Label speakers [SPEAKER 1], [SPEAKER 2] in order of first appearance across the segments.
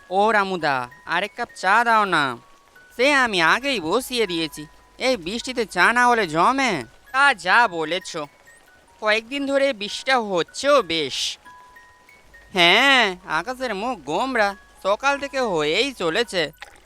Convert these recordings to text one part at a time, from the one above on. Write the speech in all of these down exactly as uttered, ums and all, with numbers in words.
[SPEAKER 1] ও রামুদা, আরেক কাপ চা দাও না। সে আমি আগেই বসিয়ে দিয়েছি। এই বৃষ্টিতে চা না হলে জমে? তা যা বলেছ, কয়েকদিন ধরে বৃষ্টিটা হচ্ছেও বেশ। হ্যাঁ, আকাশের মুখ গোমড়া, সকাল থেকে হয়েই চলেছে।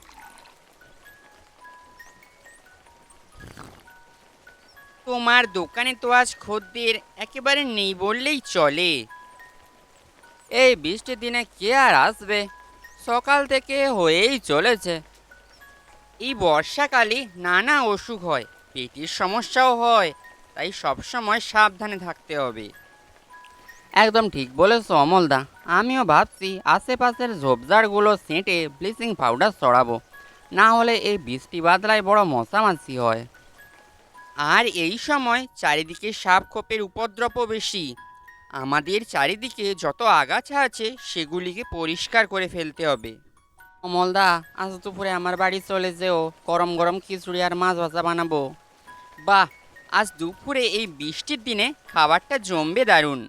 [SPEAKER 1] তোমার দোকানে তো আজ খদ্দের একেবারে নেই বললেই চলে। এই বৃষ্টির দিনে কে আর আসবে? সকাল থেকে হয়েই চলেছে। এই বর্ষাকালে নানা অসুখ হয়, পেটের সমস্যাও হয়, তাই সবসময় সাবধানে থাকতে হবে। একদম ঠিক বলেছো অমলদা। আমিও ভাবছি আশেপাশের ঝোপঝাড়গুলো সেঁটে ব্লিচিং পাউডার ছড়াবো, না হলে এই বৃষ্টি বাদলায় বড় মশামাছি হয়। আর এই সময় চারিদিকে সাপ খোপের উপদ্রবও বেশি। আমাদের চারিদিকে যত আগাছা আছে সেগুলিকে পরিষ্কার করে ফেলতে হবে। অমলদা, আজ দুপুরে আমার বাড়ি চলে যেও, গরম গরম খিচুড়ি আর মাছ ভাজা বানাবো। বাহ, আজ দুপুরে এই বৃষ্টির দিনে খাবারটা জমবে দারুণ।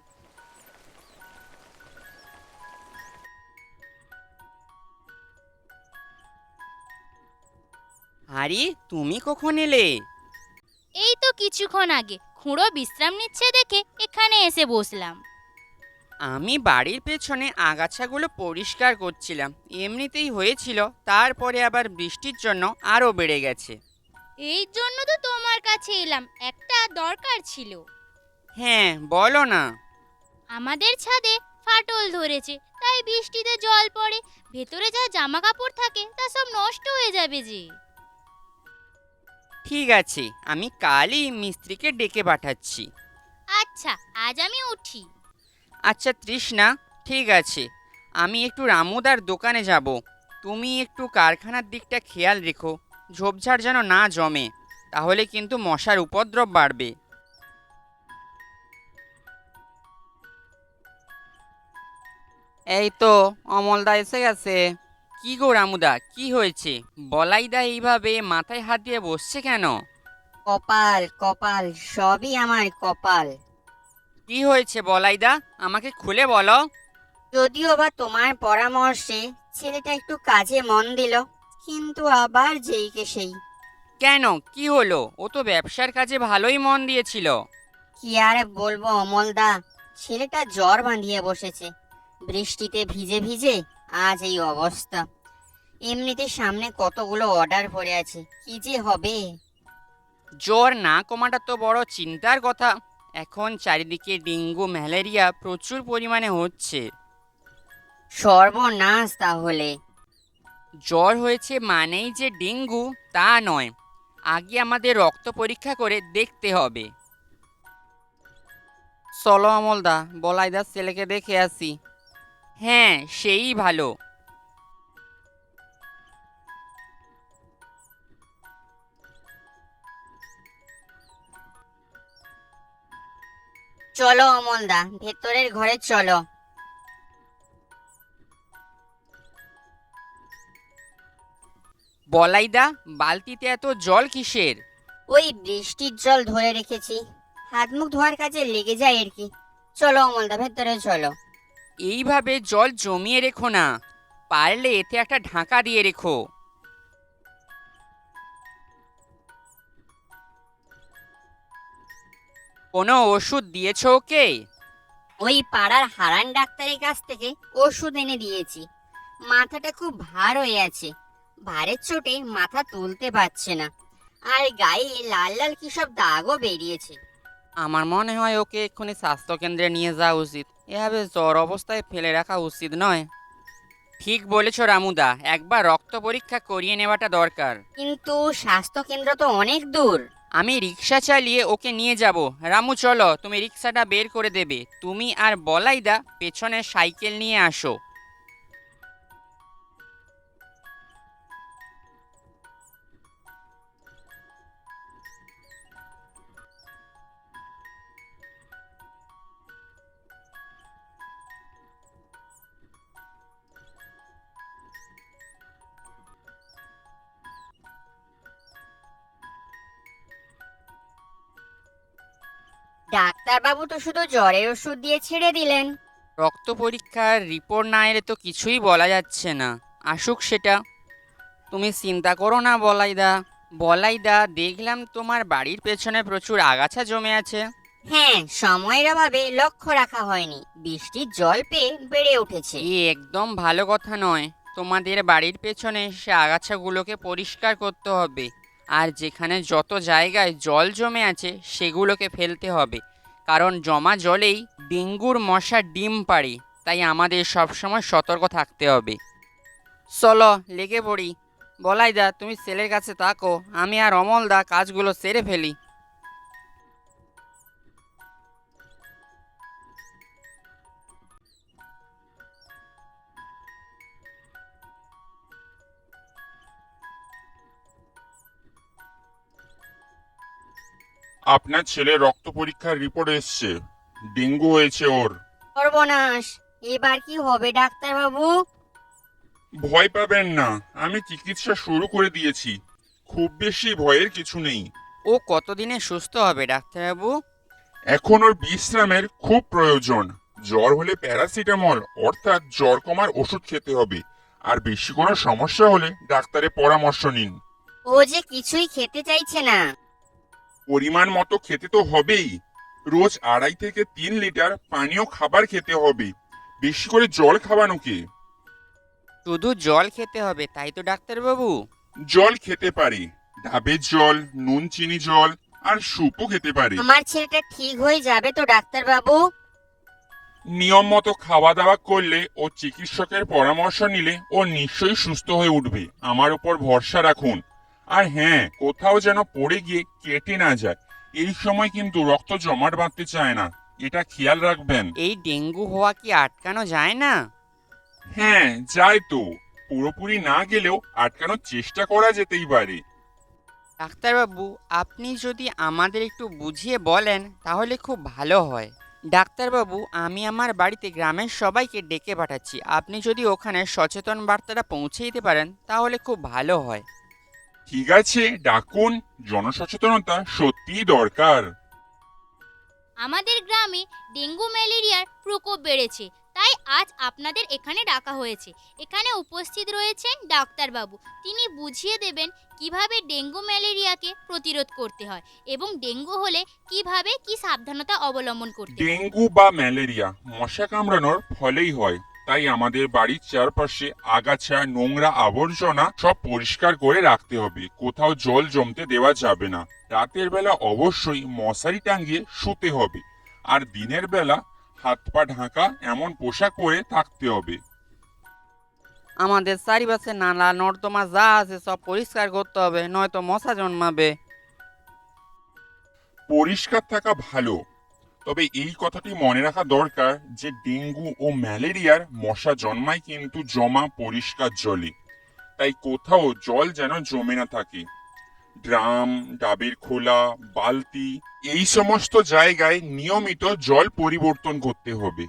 [SPEAKER 1] আরে, তুমি কখন এলে?
[SPEAKER 2] এই তো কিছুক্ষণ আগে খুঁড়ো বিশ্রাম নিচ্ছে দেখে এখানে এসে বসলাম।
[SPEAKER 1] আমি বাড়ির পেছনে আগাছাগুলো পরিষ্কার করছিলাম। এমনিতেই হয়েছিল, তারপরে আবার বৃষ্টির জন্য আরও বেড়ে গেছে।
[SPEAKER 2] এই জন্য তো তোমার কাছে এলাম, একটা দরকার ছিল।
[SPEAKER 1] হ্যাঁ, বলো না।
[SPEAKER 2] আমাদের ছাদে ফাটল ধরেছে, তাই বৃষ্টিতে জল পড়ে, ভেতরে যা জামা কাপড় থাকে তা সব নষ্ট হয়ে যাবে যে।
[SPEAKER 1] ঠিক আছে, আমি কালই মিস্ত্রিকে ডেকে পাঠাচ্ছি।
[SPEAKER 2] আচ্ছা, আজ আমি উঠি।
[SPEAKER 1] আচ্ছা তৃষ্ণা, ঠিক আছে, আমি একটু রামুদার দোকানে যাব। তুমি একটু কারখানার দিকটা খেয়াল রেখো, ঝোপঝাড় যেন না জমে, তাহলে কিন্তু মশার উপদ্রব বাড়বে। এই তো, অমলদা এসে গেছে। কি গো রামুদা, কি হয়েছে? বলাইদা এইভাবে মাথায় হাত দিয়ে বসছে কেন?
[SPEAKER 3] কপাল কপাল, সবই আমার কপাল।
[SPEAKER 1] কি হয়েছে বলাইদা, আমাকে খুলে বলো।
[SPEAKER 3] যদিও বা তোমার পরামর্শে ছেলেটা একটু কাজে মন দিল, কিন্তু আবার যেইকে সেই।
[SPEAKER 1] কেন, কি হলো? ও তো ব্যবসার কাজে ভালোই মন দিয়েছিল।
[SPEAKER 3] কি আর বলবো অমলদা, ছেলেটা জ্বর বাঁধিয়ে বসেছে। বৃষ্টিতে ভিজে ভিজে আজ এই অবস্থা। এমনিতে সামনে কতগুলো অর্ডার পড়ে আছে, কি যে হবে।
[SPEAKER 1] জ্বর না কমাটা তো বড় চিন্তার কথা। এখন চারিদিকে ডেঙ্গু ম্যালেরিয়া প্রচুর পরিমাণে হচ্ছে।
[SPEAKER 3] সর্বনাশ তাহলে।
[SPEAKER 1] জ্বর হয়েছে মানেই যে ডেঙ্গু তা নয়, আগে আমাদের রক্ত পরীক্ষা করে দেখতে হবে। চলো অমলদা, বলাইদার ছেলেকে দেখে আসি। হ্যাঁ, সেই ভালো।
[SPEAKER 3] চলো অমলদা, ভেতরের ঘরে চলো।
[SPEAKER 1] বলাইদা, বালতিতে এত জল কিসের?
[SPEAKER 3] ওই বৃষ্টির জল ধরে রেখেছি, হাত মুখ ধোয়ার কাজে লেগে যায় আর কি। চলো অমলদা, ভেতরে চলো।
[SPEAKER 1] এইভাবে জল জমিয়ে রেখো না, পারলে এতে একটা ঢাকা দিয়ে রেখো। কোনো ওষুধ দিয়েছো ওকে?
[SPEAKER 3] ওই পাড়ার হারান ডাক্তারের কাছ থেকে ওষুধ এনে দিয়েছি। মাথাটা খুব ভার হয়ে আছে, ভারের চোটে মাথা তুলতে পারছে না, আর গায়ে লাল লাল কি সব দাগও বেরিয়েছে।
[SPEAKER 1] আমার মনে হয় ওকে এক্ষুনি স্বাস্থ্যকেন্দ্রে নিয়ে যাওয়া উচিত। এভাবে জ্বর অবস্থায় ফেলে রাখা উচিত নয়। ঠিক বলেছ রামুদা, একবার রক্ত পরীক্ষা করিয়ে নেওয়াটা দরকার।
[SPEAKER 3] কিন্তু স্বাস্থ্য কেন্দ্র তো অনেক দূর।
[SPEAKER 1] আমি রিক্সা চালিয়ে ওকে নিয়ে যাব। রামু চলো, তুমি রিক্সাটা বের করে দেবে, তুমি আর বলাইদা পেছনে সাইকেল নিয়ে আসো।
[SPEAKER 3] ডাক্তারবাবু তো শুধু জ্বরের ওষুধ দিয়ে ছেড়ে দিলেন।
[SPEAKER 1] রক্ত পরীক্ষার রিপোর্ট না এলে তো কিছুই বলা যাচ্ছে না। আসুক সেটা। তুমি চিন্তা করো না বলাইদা। বলাইদা, দেখলাম তোমার বাড়ির পেছনে প্রচুর আগাছা জমে আছে।
[SPEAKER 3] হ্যাঁ, সময়ের অভাবে লক্ষ্য রাখা হয়নি, বৃষ্টির জল পেয়ে বেড়ে উঠেছে।
[SPEAKER 1] এ একদম ভালো কথা নয়। তোমাদের বাড়ির পেছনে সে আগাছাগুলোকে পরিষ্কার করতে হবে, আর যেখানে যত জায়গায় জল জমে আছে সেগুলোকে ফেলতে হবে, কারণ জমা জলেই ডেঙ্গুর মশা ডিম পাড়ে। তাই আমাদের সবসময় সতর্ক থাকতে হবে। চলো লেগে পড়ি। বলাইদা, তুমি ছেলের কাছে থাকো, আমি আর অমলদা কাজগুলো সেরে ফেলি।
[SPEAKER 4] আপনার ছেলের রক্ত পরীক্ষার রিপোর্ট এসছে, ডেঙ্গু হয়েছে ওর।
[SPEAKER 3] সর্বনাশ, এবার কি হবে ডাক্তারবাবু?
[SPEAKER 4] ভয় পাবেন না, আমি চিকিৎসা শুরু করে দিয়েছি, খুব বেশি ভয়ের কিছু নেই।
[SPEAKER 1] ও কতদিনে সুস্থ হবে ডাক্তারবাবু?
[SPEAKER 4] এখন ওর বিশ্রামের খুব প্রয়োজন। জ্বর হলে প্যারাসিটামল অর্থাৎ জ্বর কমার ওষুধ খেতে হবে, আর বেশি কোনো সমস্যা হলে ডাক্তারের পরামর্শ নিন।
[SPEAKER 3] ও যে কিছুই খেতে চাইছে না।
[SPEAKER 4] পরিমাণ মতো খেতে তো হবেই। রোজ আড়াই থেকে তিন লিটার পানীয় খাবার খেতে হবে, বেশি করে জল খাওয়ানোকে।
[SPEAKER 1] শুধু জল খেতে হবে তাই তো ডাক্তারবাবু?
[SPEAKER 4] জল খেতে পারে, ডাবের জল, নুন চিনি জল, আর স্যুপও খেতে পারে।
[SPEAKER 3] আমার ছেলেটা ঠিক হয়ে যাবে তো ডাক্তারবাবু?
[SPEAKER 4] নিয়ম মতো খাওয়া দাওয়া করলে ও চিকিৎসকের পরামর্শ নিলে ও নিশ্চয়ই সুস্থ হয়ে উঠবে। আমার উপর ভরসা রাখুন। আর হ্যাঁ, কোথাও যেন পড়ে গিয়ে কেটে না যায়। এই সময় কিন্তু রক্ত জমাট বাঁধতে চায় না, এটা খেয়াল রাখবেন।
[SPEAKER 1] এই ডেঙ্গু হওয়া কি আটকানো যায় না?
[SPEAKER 4] হ্যাঁ, যায় তো। পুরোপুরি না গেলেও আটকানোর চেষ্টা করা যেতেই পারে।
[SPEAKER 1] ডাক্তারবাবু, আপনি যদি আমাদের একটু বুঝিয়ে বলেন তাহলে খুব ভালো হয়। ডাক্তারবাবু, আমি আমার বাড়িতে গ্রামের সবাইকে ডেকে পাঠাচ্ছি, আপনি যদি ওখানে সচেতন বার্তাটা পৌঁছে দিতে পারেন তাহলে খুব ভালো হয়।
[SPEAKER 4] ঠিক আছে, ডাকুন। জনসচেতনতা সত্যিই দরকার।
[SPEAKER 2] আমাদের গ্রামে ডেঙ্গু ম্যালেরিয়ার প্রকোপ বেড়েছে, তাই আজ আপনাদের এখানে ডাকা হয়েছে। এখানে উপস্থিত রয়েছেন ডাক্তারবাবু, তিনি বুঝিয়ে দেবেন কিভাবে ডেঙ্গু ম্যালেরিয়াকে প্রতিরোধ করতে হয় এবং ডেঙ্গু হলে কিভাবে কি সাবধানতা অবলম্বন করতে হয়।
[SPEAKER 4] ডেঙ্গু বা ম্যালেরিয়া মশা কামড়ানোর ফলেই হয়, তাই আমাদের বাড়ির চারপাশে আগাছা, নোংরা আবর্জনা সব পরিষ্কার করে রাখতে হবে। কোথাও জল জমতে দেওয়া যাবে না। রাতের বেলা অবশ্যই মশারি টাঙিয়ে শুতে হবে, আর দিনের বেলা হাত পা ঢাকা এমন পোশাক পরে থাকতে হবে।
[SPEAKER 1] আমাদের চারিপাশে নালা নর্দমা যা আছে সব পরিষ্কার করতে হবে, নয়তো মশা জন্মাবে।
[SPEAKER 4] পরিষ্কার থাকা ভালো, তবে এই কথাটি মনে রাখা দরকার যে ডেঙ্গু ও ম্যালেরিয়ার মশা জন্মায় কিন্তু জমা পরিষ্কার জলে। তাই কোথাও জল যেন জমে না থাকে। ড্রাম, ডাবের খোলা, বালতি, এই সমস্ত জায়গায় নিয়মিত জল পরিবর্তন করতে হবে।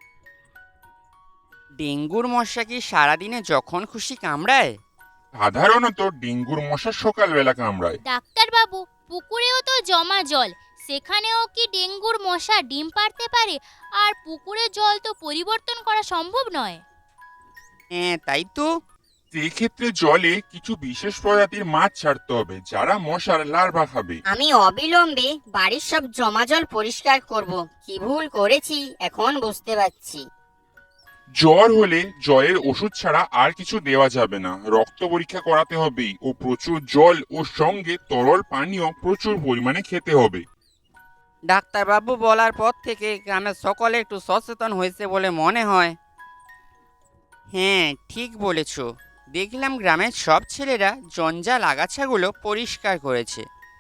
[SPEAKER 1] ডেঙ্গুর মশা কি সারাদিনে যখন খুশি কামড়ায়?
[SPEAKER 4] সাধারণত ডেঙ্গুর মশা সকালবেলা কামড়ায়।
[SPEAKER 2] ডাক্তারবাবু, পুকুরেও তো জমা জল, সেখানেও কি ডেঙ্গুর মশা ডিম পাড়তে পারে? আর পুকুরের জল তো পরিবর্তন করা সম্ভব নয়।
[SPEAKER 1] হ্যাঁ, তাই তো।
[SPEAKER 4] সেক্ষেত্রে জলে কিছু বিশেষ প্রজাতির মাছ ছাড়তে হবে, যারা মশার লার্ভা খাবে।
[SPEAKER 3] আমি অবিলম্বে বাড়ির সব জমা জল পরিষ্কার করব। কি ভুল করেছি এখন বুঝতে পারছি।
[SPEAKER 4] জ্বর হলে জ্বরের ওষুধ ছাড়া আর কিছু দেওয়া যাবে না। রক্ত পরীক্ষা করাতে হবে ও প্রচুর জল ও সঙ্গে তরল পানীয় প্রচুর পরিমাণে খেতে হবে।
[SPEAKER 1] ডাক্তারবাবু বলার পর থেকে গ্রামের সকলে একটু সচেতন হয়েছে বলে মনে হয়। হ্যাঁ, ঠিক বলেছ। দেখলাম গ্রামের সব ছেলেরা জঞ্জাল আগাছাগুলো পরিষ্কার করেছে।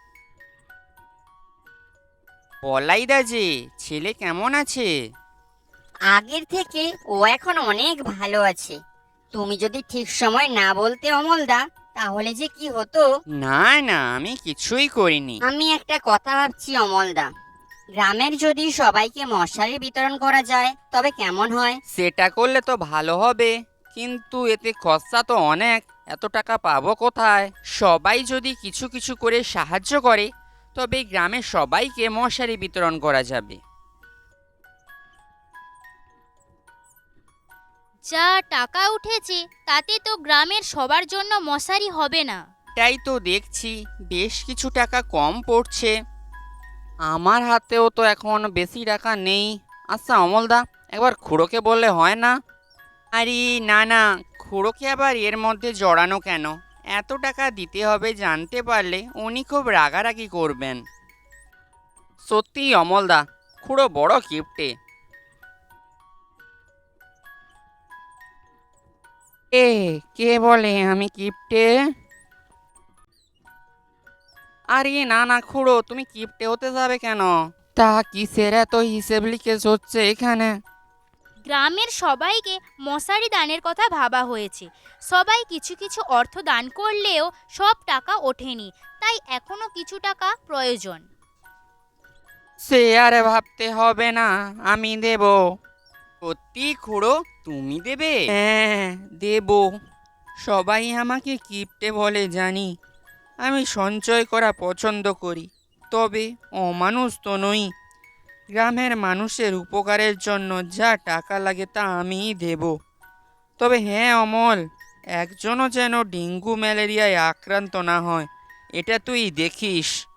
[SPEAKER 1] বলাইদা যে, ছেলে কেমন আছে?
[SPEAKER 3] আগের থেকে ও এখন অনেক ভালো আছে। তুমি যদি ঠিক সময় না বলতে অমলদা, তাহলে যে কি হতো।
[SPEAKER 1] না না, আমি কিছুই করিনি।
[SPEAKER 3] আমি একটা কথা ভাবছি অমলদা, গ্রামের যদি সবাইকে মশারি বিতরণ করা যায় তবে কেমন হয়?
[SPEAKER 1] সেটা করলে তো ভালো হবে, কিন্তু এতে খরচা তো অনেক। এত টাকা পাবো কোথায়? সবাই যদি কিছু কিছু করে সাহায্য করে তবে গ্রামের সবাইকে মশারি বিতরণ করা যাবে।
[SPEAKER 2] যা টাকা উঠেছে তাতে তো গ্রামের সবার জন্য মশারি হবে না।
[SPEAKER 1] তাই তো দেখছি বেশ কিছু টাকা কম পড়ছে। আমার হাতেও তো এখন বেশি টাকা নেই। আচ্ছা অমলদা, একবার খুড়োকে বললে হয় না? আরে না না, খুড়োকে আবার এর মধ্যে জড়ানো কেন? এত টাকা দিতে হবে জানতে পারলে উনি খুব রাগারাগি করবেন। সত্যি অমলদা, খুড়ো বড় কিপটে। এ কে বলে আমি কিপটে? আরে না না খুড়ো, তুমি কিপটে হতে যাবে কেন? তা কিসের এত হিসেব লিখেছ হচ্ছে এখানে?
[SPEAKER 2] গ্রামের সবাইকে মশারি দানের কথা ভাবা হয়েছে। সবাই কিছু কিছু অর্থ দান করলেও সব টাকা ওঠেনি, তাই এখনো কিছু টাকা প্রয়োজন।
[SPEAKER 1] সে আরে ভাবতে হবে না, আমি দেব। সত্যি খুড়ো, তুমি দেবে? হ্যাঁ দেব। সবাই আমাকে কিপটে বলে জানি, আমি সঞ্চয় করা পছন্দ করি, তবে অমানুষ তো নই। গ্রামের মানুষের উপকারের জন্য যা টাকা লাগে তা আমিই দেব। তবে হ্যাঁ অমল, একজনও যেন ডেঙ্গু ম্যালেরিয়ায় আক্রান্ত না হয়, এটা তুই দেখিস।